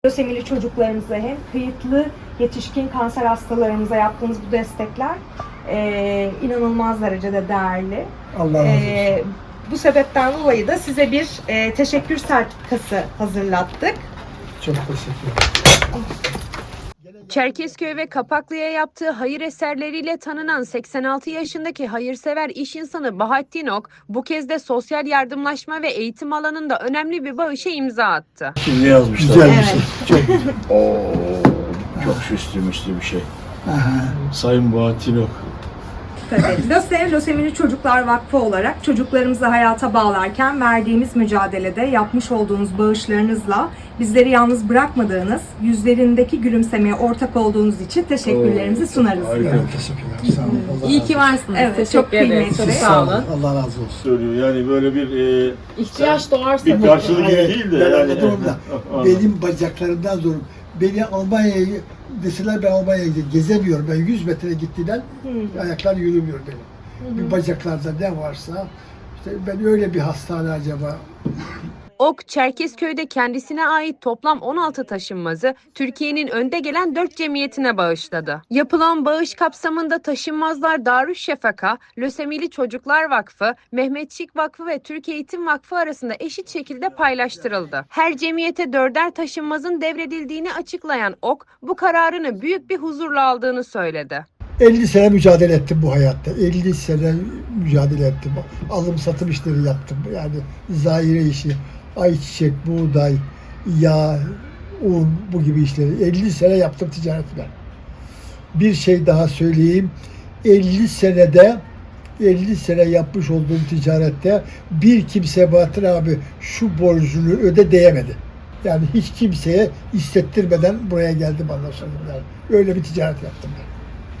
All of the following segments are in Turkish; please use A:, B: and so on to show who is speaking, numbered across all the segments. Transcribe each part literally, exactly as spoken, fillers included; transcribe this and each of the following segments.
A: Lösemili çocuklarımıza hem kayıtlı yetişkin kanser hastalarımıza yaptığınız bu destekler e, inanılmaz derecede değerli.
B: Allah razı olsun.
A: E, bu sebepten dolayı da size bir e, teşekkür sertifikası hazırlattık.
B: Çok teşekkür ederim.
C: Çerkezköy ve Kapaklı'ya yaptığı hayır eserleriyle tanınan seksen altı yaşındaki hayırsever iş insanı Bahattin Ok, bu kez de sosyal yardımlaşma ve eğitim alanında önemli bir bağışa imza attı.
D: Şimdi yazmışlar.
B: Güzel bir
A: Evet.
B: şey. Çok güzel.
D: Oo, çok süslü müslü bir şey.
B: Aha.
D: Sayın Bahattin Ok.
A: Tabii. LÖSEV, Lösemili Çocuklar Vakfı olarak çocuklarımızı hayata bağlarken verdiğimiz mücadelede yapmış olduğunuz bağışlarınızla bizleri yalnız bırakmadığınız, yüzlerindeki gülümsemeye ortak olduğunuz için teşekkürlerimizi
D: Oo,
A: sunarız.
D: harika.
B: Evet, teşekkürler. Sağ olun. Allah
E: İyi
B: razı
E: ki
B: olsun.
E: varsınız.
A: Evet,
E: Teşekkür
A: çok
E: ederiz.
A: kıymetli.
E: Çok
B: Siz
E: sağ olun.
B: Allah razı olsun.
D: Söylüyor yani böyle bir e,
E: İhtiyaç doğarsa
D: bir karşılığı gibi
B: Hayır,
D: değil de
B: ben
D: yani.
B: anladım da benim bacaklarımdan zor. Beni Almanya'ya deseler ben Almanya'ya gezemiyorum. Ben yüz metre gittiğinden
A: Hmm.
B: ayaklar yürümüyor benim. Bir bacaklarda ne varsa işte ben öyle bir hastane acaba.
C: Ok, Çerkezköy'de kendisine ait toplam on altı taşınmazı Türkiye'nin önde gelen dört cemiyetine bağışladı. Yapılan bağış kapsamında Taşınmazlar Darüşşafaka, Lösemili Çocuklar Vakfı, Mehmetçik Vakfı ve Türk Eğitim Vakfı arasında eşit şekilde paylaştırıldı. Her cemiyete dörder taşınmazın devredildiğini açıklayan Ok, bu kararını büyük bir huzurla aldığını söyledi.
B: elli sene mücadele ettim bu hayatta. elli sene mücadele ettim. Alım satım işleri yaptım. Yani zahire işi, ayçiçek, buğday, yağ, un bu gibi işleri. elli sene yaptım ticareti ben. Bir şey daha söyleyeyim. elli senede elli sene yapmış olduğum ticarette bir kimse Bahattin abi şu borcunu öde diyemedi. Yani hiç kimseye hissettirmeden buraya geldim anlaşıldım yani. Öyle bir ticaret yaptım ben.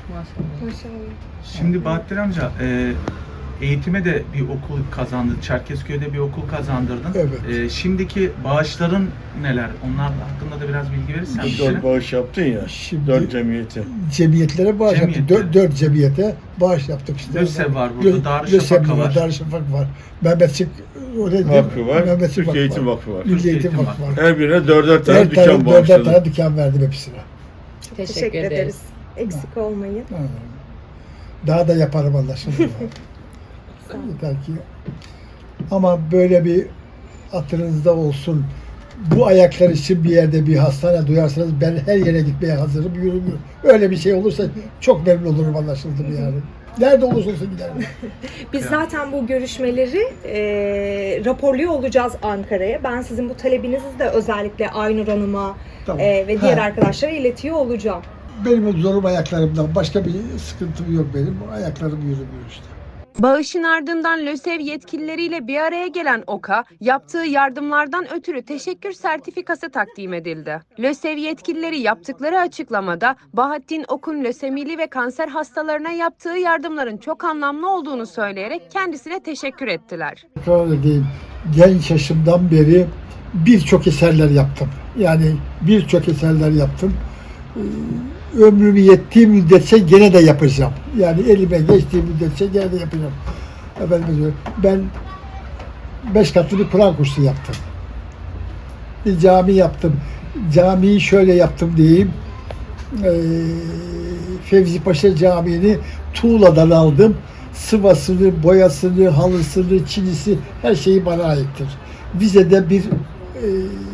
F: Şimdi Bahattin amca e, eğitime de bir okul kazandı. Çerkezköy'de bir okul kazandırdın.
B: Evet.
F: E, şimdiki bağışların neler? Onlar hakkında da biraz bilgi verirsen bize.
D: Dört bağış yaptın ya.
B: Şimdi-
D: Dört cemiyeti.
B: Cemiyetlere bağış yaptık.
F: Cemiyetler.
B: Dört, dört cemiyete bağış yaptık işte.
F: LÖSEV var burada,
B: Lö-
F: Darüşşafaka
B: LÖSEV
F: var.
B: Darüşşafaka var. Mehmetçik oraya
D: Vakfı var.
B: Mehmetçik
D: Türk
B: Vakfı
D: Eğitim
B: var.
D: Vakfı var.
B: Milli
F: Türk
B: Eğitim
F: Eğitim
B: Vakfı var.
D: Her birine dörder tane
B: Her
D: dükkan
B: tane dörder
D: bağışladın.
B: tane dükkan verdim hepsine.
E: Teşekkür,
A: Teşekkür
E: ederiz.
A: ederiz. Eksik olmayın.
B: Ha. Daha da yaparım anlaşıldı. Yeter ki. Ama böyle bir hatırınızda olsun. Bu ayaklar için bir yerde bir hastane duyarsanız ben her yere gitmeye hazırım, yürümüyorum. Öyle bir şey olursa çok memnun olurum anlaşıldı mı yani. Nerede olursa olsun giderim.
A: Biz zaten bu görüşmeleri e, raporluyor olacağız Ankara'ya. Ben sizin bu talebinizi de özellikle Aynur Hanım'a
B: Tamam.
A: e, ve diğer
B: Ha.
A: arkadaşlara iletiyor olacağım.
B: Benim o zorum ayaklarımdan. Başka bir sıkıntım yok benim. Ayaklarım yürümüyor işte.
C: Bağışın ardından LÖSEV yetkilileriyle bir araya gelen Ok'a yaptığı yardımlardan ötürü teşekkür sertifikası takdim edildi. LÖSEV yetkilileri yaptıkları açıklamada Bahattin Ok'un lösemili ve kanser hastalarına yaptığı yardımların çok anlamlı olduğunu söyleyerek kendisine teşekkür ettiler.
B: Tekrar edeyim. Genç yaşımdan beri birçok eserler yaptım. Yani birçok eserler yaptım. Ee, Ömrüm yettiği müddetçe gene de yapacağım. Yani elime geçtiği müddetçe gene de yapacağım. Efendim, ben beş katlı bir Kur'an kursu yaptım. Bir cami yaptım. Camiyi şöyle yaptım diyeyim. Ee, Fevzi Paşa Camii'ni tuğladan aldım. Sıvasını, boyasını, halısını, çinisi her şeyi bana aittir. Vize'de bir e,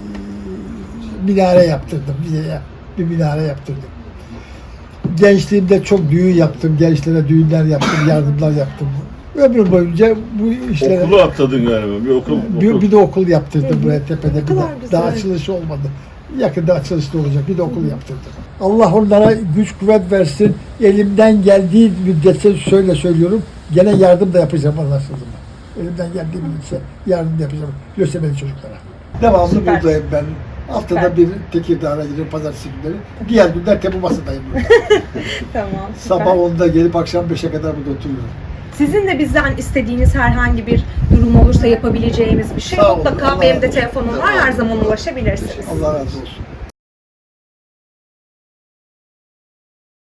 B: minare yaptırdım. Vize'ye bir minare yaptırdım. Gençliğimde çok düğün yaptım. Gençlere düğünler yaptım, yardımlar yaptım. Ömrüm boyunca bu işlere...
D: Okulu atladın galiba. Bir okul.
B: Bir,
D: okul.
B: bir de okul yaptırdım buraya tepede. Bir
A: kadar
B: de.
A: güzel.
B: Daha açılışı olmadı. Yakında açılışı olacak. Bir de okul yaptırdım. Allah onlara güç kuvvet versin. Elimden geldiği müddetçe şöyle söylüyorum. Gene yardım da yapacağım anlaşıldı mı? Elimden geldiği müddetçe yardım da yapacağım. Lösemili çocuklara. Devamlı
A: Süper.
B: buradayım ben. Haftada
A: Süper.
B: bir Tekirdağ'a gidiyorum pazartesi günleri. Diğer günler Tepe Masa'dayım.
A: Tamam. süper.
B: Sabah onda gelip akşam beşe kadar burada oturuyorum.
A: Sizin de bizden istediğiniz herhangi bir durum olursa yapabileceğimiz bir şey
B: Sağ olun,
A: mutlaka
B: Allah
A: benim de
B: razı olsun.
A: telefonum var, her zaman ulaşabilirsiniz.
B: Allah razı olsun.